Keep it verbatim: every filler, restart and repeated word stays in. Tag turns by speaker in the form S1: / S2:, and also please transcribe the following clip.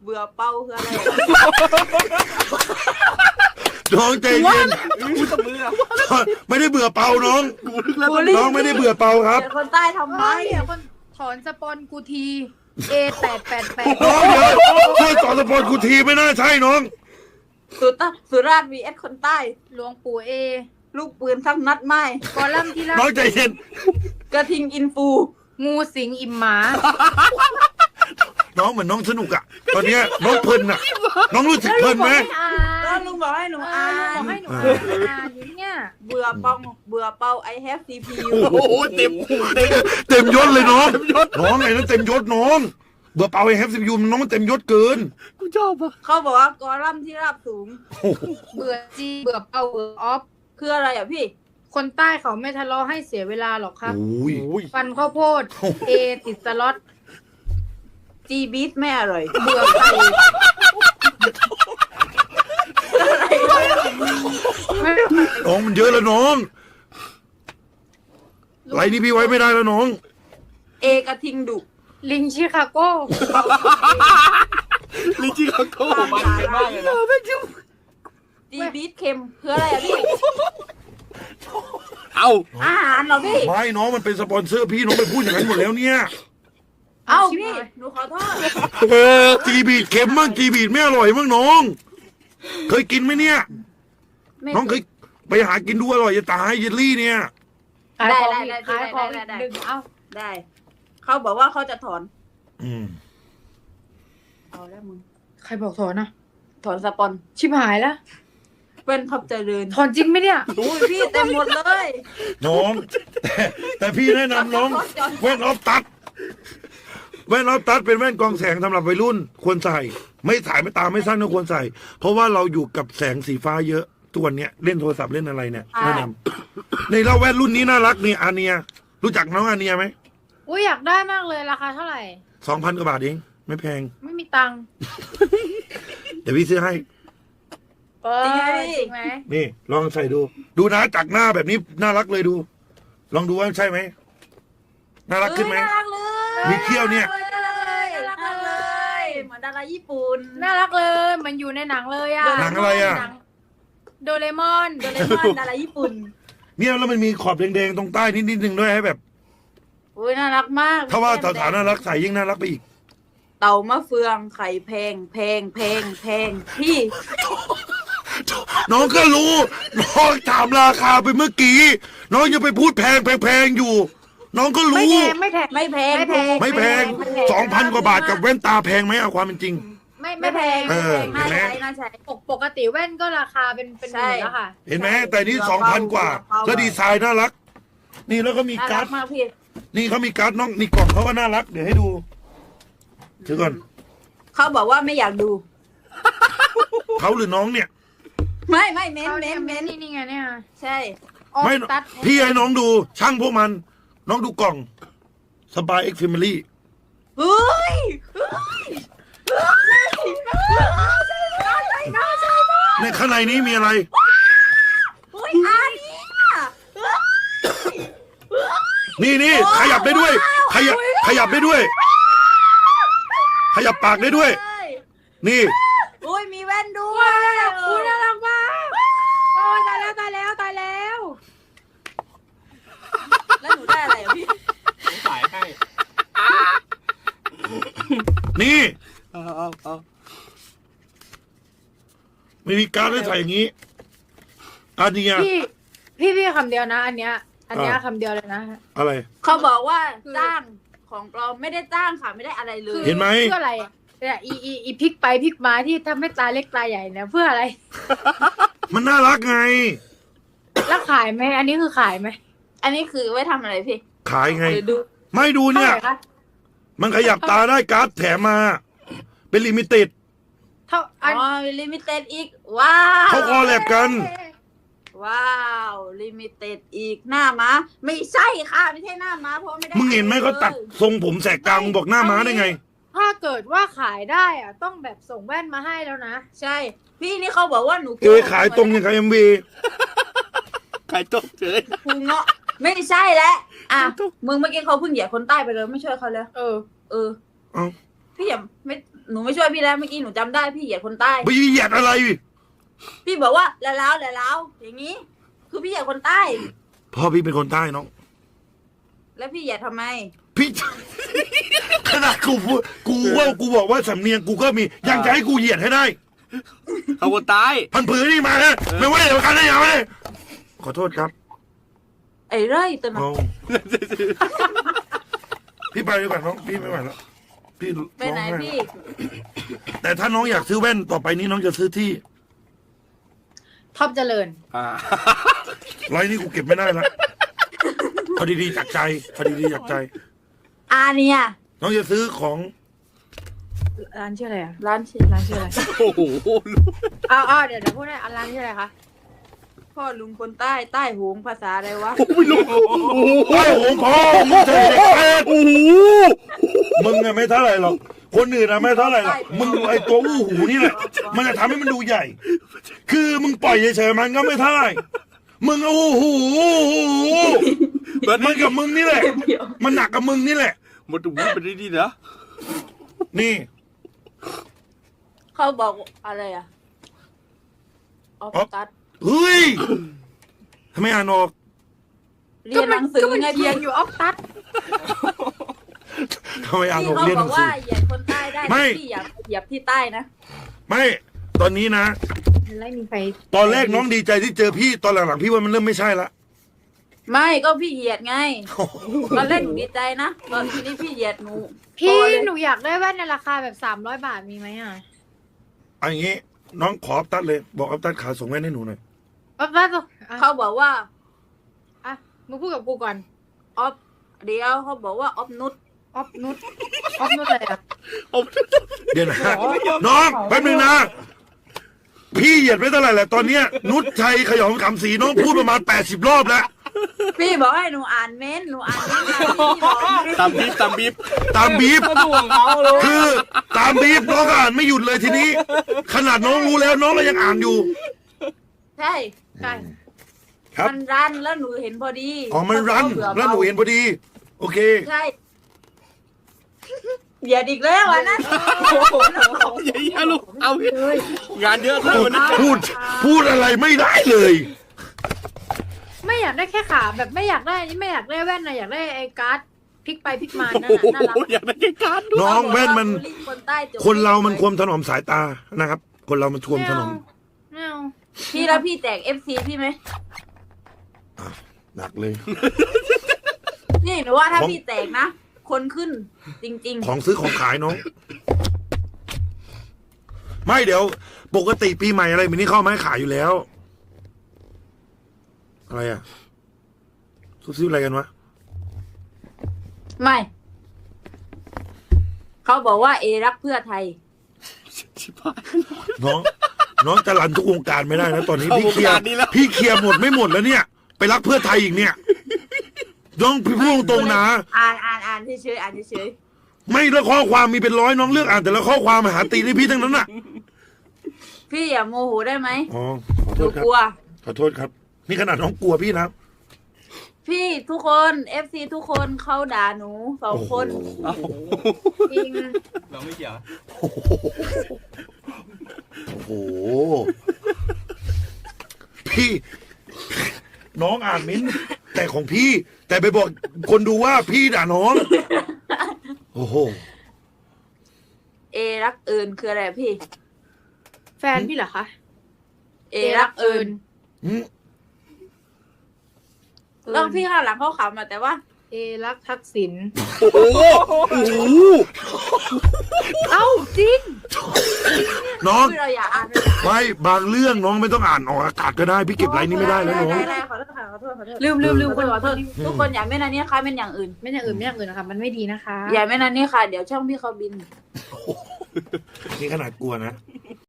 S1: บื่อเป้าคืออะไร
S2: น้องใจเย็น
S3: กูจะเบื่อ
S2: ไม่ได้เบื่อเปาน้อง
S3: กูนึกแล้ว
S2: น้องไม่ได้เบื่อเปาครับ
S1: เป็นคนใต้ทำไม
S4: ไม่เดี๋ยวคนถอนสปอนกูที เอแปดแปดแปด
S2: น้องเดี๋ยวช่วยสอนสปอร์ตกูทีไม่น่าใช่น้อง
S1: สุตสุราษฎร์วีเอสคนใต้
S4: หลวงปู่เอ
S1: ลูกปืนทั้งนัดไม้
S4: กอลัมน์ที่รัก
S2: น้องใจเย็น
S1: กระทิงอินฟู
S4: งูสิงอิ่มหมา
S2: น้องเหมือนน้องสนุกอะตอนเนี้ยน้องเพลินอะน้องรู้สึกเพลินไหม
S4: อ่า
S1: ก็ลุงบอกให้หนู
S4: เอ
S1: อ่า
S4: อบอก
S1: น
S4: ให้หนูอ่านอยู่เนี่ย
S1: เบื่อเป้าเบื่อเป้า I have ซี พี ยู
S3: โอ้โหเต็มเต็ม
S2: เต็มยศเลยน้องน้องไงนั่นเต็มยศน้องเบื่อเปาไอ้แฮปซียูน้องมันเต็มยศเกิน
S3: กูชอบอ่ะ
S1: เขาบอกว่ากอลัมน์ที่ราบสูง
S4: เบื่อจีเบื่อเป่าเบื่อออฟ
S1: คืออะไรอ่ะพี่
S4: คนใต้เขาไม่ทะเลาะให้เสียเวลาหรอกครับ
S2: โอ้ย
S3: โอ้ย
S4: ฟันข้าวโพด เอติดสล็อต
S1: จีบีทไม่อร่อย
S4: เบื่อไก่ไม่
S2: น้องมันเยอะแล้วน้องไรนี่พี่ไว้ไม่ได้แล้วน้อง
S1: เอกระทิงดุ
S4: ลิงชิคาโก้
S3: ลิจิคาโก้มันเยอะมากเลยนะ
S1: จีบีทเค็มคืออะไรอ่ะพี่
S3: เอา
S1: อาหารเหรอพี่
S2: ไม่น้องมันเป็นสปอนเซอร์พี่น้องไปพูดอย่างนั้นหมดแล้วเนี่ย
S1: เอ้าพี่ หนูขอโทษ
S2: เออจีบีดเค็มมั่งจีบีดไม่อร่อยมั่งน้อง เคยกินไหมเนี่ย
S1: ไม่
S2: น้องเคยไปหากินดูอร่อยจะตายเยลลี่เนี่ย
S4: ขายของ
S1: ได้
S4: อีก
S1: ได้
S4: ขายของ
S1: ได้
S4: อีก
S1: ได้
S4: ดึงเอา
S1: ได้ เขาบอกว่าเขาจะถอน
S2: อืม
S1: เอาแล้วมึง
S4: ใครบอกถอนนะ
S1: ถอนสปอน
S4: ชิบหายแล้ว
S1: เป็นทับเจริญ
S4: ถอนจริงไหมเนี่ย
S1: อุ้ยพี่เต็มหมดเลย
S2: น้องแต่แต่พี่แนะนำน้องแว่นออฟตัดแว่นออฟตัดเป็นแว่นกรองแสงสำหรับวัยรุ่น ควรใส่ ไม่ถ่ายไม่ตาไม่สั้นก็ควรใส่ เพราะว่าเราอยู่กับแสงสีฟ้าเยอะตัวนเนี้ยเล่นโทรศัพท์เล่นอะไรเนี่ยแนะนำในเราแว่นรุ่นนี้น่ารักนี่อาเนีย รู้จักน้องอาเนียไหม
S4: อุ้ยอยากได้มากเลยราคาเท่าไหร่
S2: สองพันกว่าบาทเองไม่แพง
S4: ไม่มีตังค์
S2: เดี๋ยวพี่ซื้อให้
S4: เออจริงไหม
S2: นี่ลองใส่ดู ดูนะจากหน้าแบบนี้น่ารักเลยดู ลองดูว่าใช่ไหมน่ารักขึ้นไหม
S1: เอ้ยน่ารักเลย
S2: มีเขี้ยวเนี่ย
S1: น่ารักเลยน่ารักเลยเหมือนดาราญี่ปุ่น
S4: น่ารักเลยมันอยู่ในหนังเลยอะ
S2: หนังอะไรอะ
S4: หนังโดเรมอน
S1: โดเรมอนดาราญี่ปุ่น
S2: เนี่ยแล้วมันมีขอบแดงๆตรงใต้นิดๆหนึ่งด้วยให้แบบ
S1: อุ้ยน่ารักมาก
S2: ถ้าว่าสถานน่ารักใส่ยิ่งน่ารักไปอีก
S1: เต่ามะเฟืองไข่แพงแพงแพงแพงพี่
S2: น้องก็รู้ น้องถามราคาไปเมื่อกี้ น้องยังไปพูดแพงแพงๆอยู่ น้องก็
S4: ไม่
S2: รู้
S4: แพงไม่แพง
S1: ไม่แพง
S4: ไม่แพง
S2: ไม่แพงสองพันกว่าบาทกับแว่นตาแพงไหมเอาความเป็นจริง
S4: ไม่
S1: ไม่
S4: ไม่
S1: แพ
S4: แพ
S1: ง
S4: ง
S2: เออ
S1: น่า
S2: เห็นไหม
S1: ใช้น่าใช้
S4: ปกปกติแว่นก็ราคาเป็นเป็นห
S1: ใช่
S4: มื่นแล้วค่ะ
S2: เห็นไหมแต่นี่สองพันกว่า แล้วดีไซน์น่ารัก นี่แล้วก็มี
S1: น่า
S2: การ์
S1: รั
S2: ด
S1: กมากพี่
S2: นี่เขามีการ์ดน้องนี่กล่องเขาก็น่ารักเดี๋ยวให้ดูถือก่อน
S1: เขาบอกว่าไม่อยากดู
S2: เขาหรือน้องเนี่ย
S1: ไม่ไม่เม้น
S4: เขา
S1: เม้
S4: เนี่ย
S1: น
S4: เม้
S1: เม้
S4: น
S1: น
S4: นี่นี่ไงเนี่ย
S1: ใช่
S4: ออ
S2: ไม่
S4: ตัด
S2: พี่ให้น้องดู ช่างพวกมัน น้องดูกล่องสบายเอ็กซ์แฟมิลี่
S1: เฮ้ยเฮ้ยเฮ้ยน่าใช่น่าใช่มาก
S2: ในข้างในนี้มีอะไร
S1: เฮ้ยอันนี้อะเฮ้ย
S2: นี่นี่ขยับได้ด้วย ขยับขยับได้ด้วย ขยับปากได้ด้วย
S1: เฮ้ย
S2: นี่
S1: อุ้ยมีแว่นด้ว
S4: ว้าย วคุณน่ารักมากโอ้ยตายแล้วตายแล้วตายแล้ว
S1: แล้วหนูได้อะไรอ่ะพี่
S3: ขายให้
S2: นี่
S3: เอาเอาเอา
S2: ไม่มีการดให้ใส่อย่างนี้อันเนี้ย
S4: พี่พี่พี่คำเดียวนะ อันเนี้ย อันเนี้ย
S2: อ่า
S4: คำเดียวเลยนะ
S2: อะไร
S1: เขาบอกว่าจ้างของปลอมไม่ได้จ้างค่ะไม่ได้อะไรเล
S4: คื
S1: ย
S2: เห็นไหม
S4: เพื่ออะไรอะเนี่ยอีอีอีพลิกไปพลิกมาที่ทำให้ตาเล็กตาใหญ่เนี่ยเพื่ออะไร
S2: มันน่ารักไง
S4: แล้วขายไหมอันนี้คือขายไหม
S1: อันนี้คือไว้ทำอะไรพี่
S2: ขายไง
S1: หรือดู
S2: ไม่ดู
S4: เท่า
S2: เนี่ย
S4: ไหร่คะ
S2: มันขยับตาได้การ์ดแถมมา เป็นลิมิเต็ด
S4: เท่า
S1: อ๋
S4: อัน
S1: อลิมิเต็ดอีกว้าว
S2: เขาคอแลบกัน
S1: ว้าวลิมิเต็ดอีกหน้าม้าไม่ใช่ค่ะไม่ใช่หน้าม้าเพราะไม่ได้
S2: มึงเห็นไหมเขาตัดทรงผมแสกกลางมึงบอกหน้าม้าได้ไง
S4: ถ้าเกิดว่าขายได้อะต้องแบบส่งแว่นมาให้แล้วนะ
S1: ใช่ พี่นี่เขาบอกว่าหนู
S2: เอขายตรงอย่างกับเอ็มวี
S3: ขายตกเฉย
S1: พุงเงาะไม่ใช่แล้วอ่ะมึงเมื่อกี้เขาเพิ่งเหยียบคนใต้ไปเลยไม่ช่วยเขาเลย
S4: เออ
S1: เออ
S2: เอ้า
S1: พี่อย่าไม่หนูไม่ช่วยพี่แล้วเมื่อกี้หนูจำได้พี่เหยียดคนใต้
S2: ไม่เหยียดอะไร
S1: พี่บอกว่าแล้วแล้วแล้วแล้วอย่างนี้ คือพี่เหยียดคนใต้
S2: พ่อพี่เป็นคนใต้น้อง
S1: แล้วพี่เหยียดทำไม
S2: พี่ ขนาดกูพูดกูว่ากูบอกว่าสำเนียงกูก็มียังจะให้กูเหยียดให้ได้
S3: เขาคนตาย
S2: พันผือนี่มานะไม่ไหวเดี๋ยวกันได้ยังไงขอโทษครับ
S1: ไอ้เร่ยตัวน้
S2: น้
S1: อ
S2: อง งพี่ไปดีกว่าน้องพี่ไม่ไหวแล้วพี่
S1: ไปไหน
S2: ร้อง
S1: พี่
S2: แต่ถ้าน้องอยากซื้อแว่นต่อไปนี้น้องจะซื้อที่
S4: ท็อปเจริญ
S3: อ่า
S2: ไรนี่กูเก็บไม่ได้ละเอาดีๆจากใจเอาดีๆจากใจ
S1: อาเนี่ย
S2: น้องจะซื้อของ
S4: ร้านชื่ออะไรอ่ะ
S1: ร้านชื่
S4: ร้านชื่ออะไร
S3: โอ้โห
S4: อ้าวอ้าวเดี๋ยวเดี๋ยวพูดได้อ่ะร้านชื่ออะไรคะ
S1: พ่อลุงคนใต้ใต้หงภาษาอะไรวะ
S3: ไม่รู้โอ้โห
S2: โอ้โหพ่อมึงเด็กแปด
S3: โอ้โห
S2: มึงอะไม่เท่าไหร่หรอกคนอื่นอะไม่เท่าไหร่หรอกมึงไอตัวอู้หูนี่แหละมันจะทำให้มันดูใหญ่ คือมึงปล่อยเฉยๆมันก็ไม่เท่าไหร่มึงเอาอู้หูอู้หู
S3: มัน
S2: มันกับมึงนี่แหละ มันหนักกับมึงนี่แหละ
S3: มันดูเป็นดีๆนะ
S2: นี่
S1: เขาบอกอะไรอ่ะออฟตัด
S2: เฮ้ยทำไมอ่านออก
S1: เรียนหนังสือ
S4: ก็มัน
S1: ไง
S4: เขี
S1: พี่
S4: ยนอยู่ออฟตัด
S2: ทำไมอ่านอ
S1: พี่
S2: อก
S1: เขา
S2: เรียน
S1: บ
S2: ห
S1: อ
S2: นั
S1: ก
S2: งสื
S1: ว่า
S2: อ
S1: เหยียดคนใต้ได้
S2: ไม่
S1: พี่อย่าเหยียบที่ใต้นะ
S2: ไม่ตอนนี้นะ
S4: ไม่มีใคร
S2: ตอนแรกน้องดีใจที่เจอพี่ตอนหลังๆพี่ว่ามันเริ่มไม่ใช่ละ
S1: ไม่ก็พี่เหยียดไงตอนแรกหนูดีใจนะตอนทีนี้พี่เหยียดหนู
S4: พี่
S1: พอเลย
S4: หนูอยากได้แว่นในราคาแบบสามร้อยบาทมีไหมอ่ะ
S2: เอาอย่างงี้ น้องขออัพตัดเลย บอกอัพตัดขาส่งแว่นให้หนูหน่อย
S4: ออฟตัดอ่ะ
S1: เขาบอกว่า
S4: อ่ะมึงพูดกับกูก่อน
S1: ออฟเดี๋ยวเขาบอกว่าออฟนุช
S4: ออฟนุชออฟนุชอะไรอ่ะ
S2: เดี๋ยวนะ น้องแป๊บนึงนะ พี่เหยียดไม่เท่าไหร่แหละตอนเนี้ย นุชชัยขยองคำศรีน้องพูดประมาณแปดสิบรอบแล้ว
S1: พี่บอกให้หนูอ่านเม้นต์หนูอ่านเม้นต์มาพี่บอก
S3: ตามบีบตามบีบ
S2: ตามบีบ
S3: ก็ถ่วงเขาเลย
S2: คือตามบีบน้องก็อ่านไม่หยุดเลยทีนี้ ขนาดน้องรู้แล้วน้องก็ยังอ่านอยู่
S1: ใช่
S4: ใช่
S2: ครับ
S1: มันรันแล้วหนูเห็นพอดี
S2: อ๋อมันรัน
S1: เขาบอก
S2: แล้วหนูเห็นพอดี โอเค
S1: ใช่เหยียดอีกแล้วอันนั้น
S3: อย่าอย่าลูกเอางานเยอะขึ้นวันนี้
S2: พูดพูดอะไรไม่ได้เลย
S4: ไม่อยากได้แค่ขาแบบไม่อยากได้นี่ไม่อยากได้แว่นนะอยากได้ไอ้การ์ดพลิกไปพลิกมานั่น
S3: โอ้โห
S4: น่ะน่ารัก
S3: อยากได้แค่การดู
S2: น้องแว่นมัน
S1: คนใต้จบ
S2: คนเรามันควรถนอมสายตานะครับ คนเรามันควรถนอม
S4: ไม่เอา
S1: พี่แล้วพี่แจกเอฟซีพี่ไหม
S2: หนักเลย
S1: นี่หนูว่าถ้า
S2: ของ
S1: พี่แจกนะ คนขึ้น จริง
S2: ของซื้อของขายน้อง ไม่เดี๋ยว ปกติปีใหม่อะไรแบบนี้เข้ามาให้ขายอยู่แล้ว อะไรอ่ะซุบซิบอะไรกันวะ
S1: ๆ ไม่ เขาบอกว่าเอรักเพื่อไทย
S3: ชิบหาย
S2: น้อง น้องจะรันทุกวงการไม่ได้นะตอนนี้
S3: เข้า
S2: พี่เคลียร์
S3: วงการนี้แล้ว
S2: พี่เคลียร์หมดไม่หมดแล้วเนี่ย ไปรักเพื่อไทยอีกเนี่ยน้องพี่พูดตรงๆนะ
S1: อ่านอ่านอ่านเฉยๆอ่านเฉย
S2: ไม่แล้วข้อความมีเป็นร้อยน้องเลือกอ่านแต่ละข้อความมาหาตีในพี่ทั้งนั้นน่ะ
S1: ๆพี่อย่าโมโหได้ไหม
S2: อ๋อขอ
S1: ห
S2: โท
S1: นู
S2: ษครับ
S1: กลัว
S2: ขอโทษครับ นี่ขนาดน้องกลัวพี่นะ
S1: พี่ทุกคนเอฟซีทุกคนเขาด่าหนูสองคน
S3: เอา
S4: จริง
S3: เราไม่เกี่ยว
S2: โอ้โหโอ้โห พี่ น้องอ่านมิ้นท์แต่ของพี่ แต่ไปบอกคนดูว่าพี่ด่าน้อง โอ้โห
S1: เอรักเอิญคืออะไรพี่
S4: แฟนพี่เหรอคะ
S1: เอรักเอิญ
S2: อืม
S1: แล้วพี่ข้างหลังเขาขำมาแต่ว่า
S4: เอรักทักษิณ
S3: โอ้โหโอ้โห
S4: เอ้าจริง
S2: น้อง
S1: พี่เราอย่าอ่านเลย
S2: ไม่บางเรื่องน้องไม่ต้องอ่านออกอากาศก็ได้ พี่เก็บไรนี้ไม่ได้แล้วน้อง
S1: ได้ได้ขอโทษค่ะขอโทษขอโทษ
S4: ลืมลืมลืม
S1: ขอโทษขอโทษทุกคนอย่าเม่นอันนี้ค่ะเม่นอย่างอื่น
S4: ไม่อย่างอื่นไม่อย่างอื่นนะคะมันไม่ดีนะคะ
S1: อย่าเม่นอันนี้ค่ะ เดี๋ยวช่องพี่เขาบิน
S2: นี่ขนาดกลัวนะ